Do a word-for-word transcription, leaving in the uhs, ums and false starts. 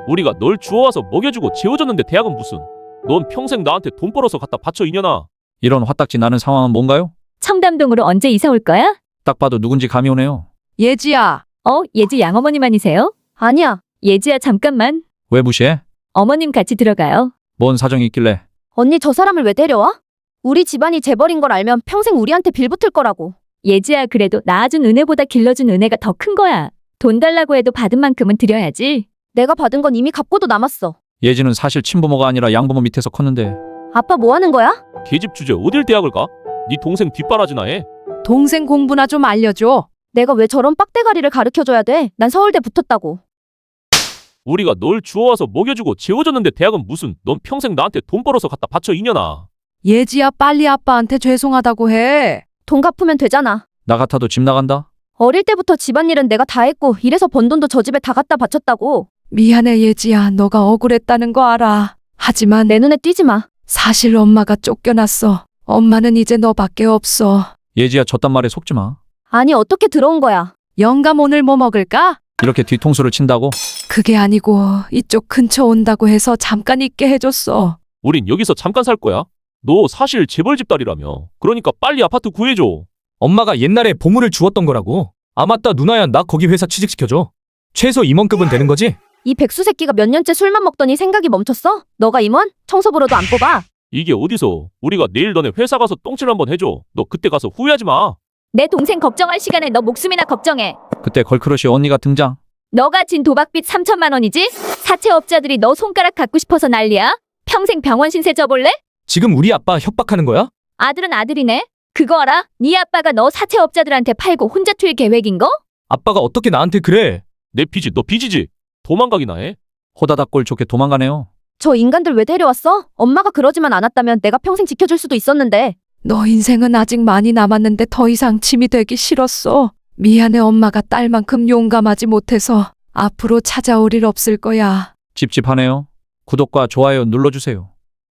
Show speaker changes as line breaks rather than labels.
우리가 널 주워와서 먹여주고 재워줬는데 대학은 무슨. 넌 평생 나한테 돈 벌어서 갖다 바쳐 이년아.
이런 화딱지 나는 상황은 뭔가요?
청담동으로 언제 이사 올 거야?
딱 봐도 누군지 감이 오네요.
예지야.
어, 예지 양어머님 아니세요?
아니야.
예지야 잠깐만.
왜 무시해?
어머님 같이 들어가요.
뭔 사정이 있길래?
언니 저 사람을 왜 데려와? 우리 집안이 재벌인 걸 알면 평생 우리한테 빌붙을 거라고.
예지야 그래도 낳아준 은혜보다 길러준 은혜가 더 큰 거야. 돈 달라고 해도 받은 만큼은 드려야지.
내가 받은 건 이미 갚고도 남았어.
예지는 사실 친부모가 아니라 양부모 밑에서 컸는데.
아빠 뭐 하는 거야?
계집 주제 어딜 대학을 가? 네 동생 뒷바라지나 해.
동생 공부나 좀 알려줘. 내가 왜 저런 빡대가리를 가르쳐줘야 돼? 난 서울대 붙었다고.
우리가 널 주워와서 먹여주고 재워줬는데 대학은 무슨. 넌 평생 나한테 돈 벌어서 갖다 바쳐 이년아.
예지야 빨리 아빠한테 죄송하다고 해.
돈 갚으면 되잖아.
나 같아도 집 나간다?
어릴 때부터 집안일은 내가 다 했고 이래서 번 돈도 저 집에 다 갖다 바쳤다고.
미안해 예지야 너가 억울했다는 거 알아. 하지만
내 눈에 띄지 마.
사실 엄마가 쫓겨났어. 엄마는 이제 너밖에 없어.
예지야 저딴 말에 속지 마.
아니 어떻게 들어온 거야?
영감 오늘 뭐 먹을까?
이렇게 뒤통수를 친다고?
그게 아니고 이쪽 근처 온다고 해서 잠깐 있게 해줬어.
우린 여기서 잠깐 살 거야. 너 사실 재벌집 딸이라며. 그러니까 빨리 아파트 구해줘.
엄마가 옛날에 보물을 주었던 거라고. 아 맞다 누나야 나 거기 회사 취직시켜줘. 최소 임원급은 되는 거지?
이 백수 새끼가 몇 년째 술만 먹더니 생각이 멈췄어? 너가 임원? 청소부로도 안 뽑아.
이게 어디서. 우리가 내일 너네 회사 가서 똥칠 한번 해줘. 너 그때 가서 후회하지 마.
내 동생 걱정할 시간에 너 목숨이나 걱정해.
그때 걸크러쉬 언니가 등장.
너가 진 도박빚 삼천만 원이지? 사채업자들이 너 손가락 갖고 싶어서 난리야? 평생 병원 신세 져볼래?
지금 우리 아빠 협박하는 거야?
아들은 아들이네. 그거 알아? 네 아빠가 너 사채업자들한테 팔고 혼자 튈 계획인 거?
아빠가 어떻게 나한테 그래?
내 빚이 너 빚이지. 도망가기나 해.
호다닥 꼴 좋게 도망가네요.
저 인간들 왜 데려왔어? 엄마가 그러지만 않았다면 내가 평생 지켜줄 수도 있었는데.
너 인생은 아직 많이 남았는데 더 이상 짐이 되기 싫었어. 미안해 엄마가 딸만큼 용감하지 못해서 앞으로 찾아올 일 없을 거야.
찝찝하네요. 구독과 좋아요 눌러주세요.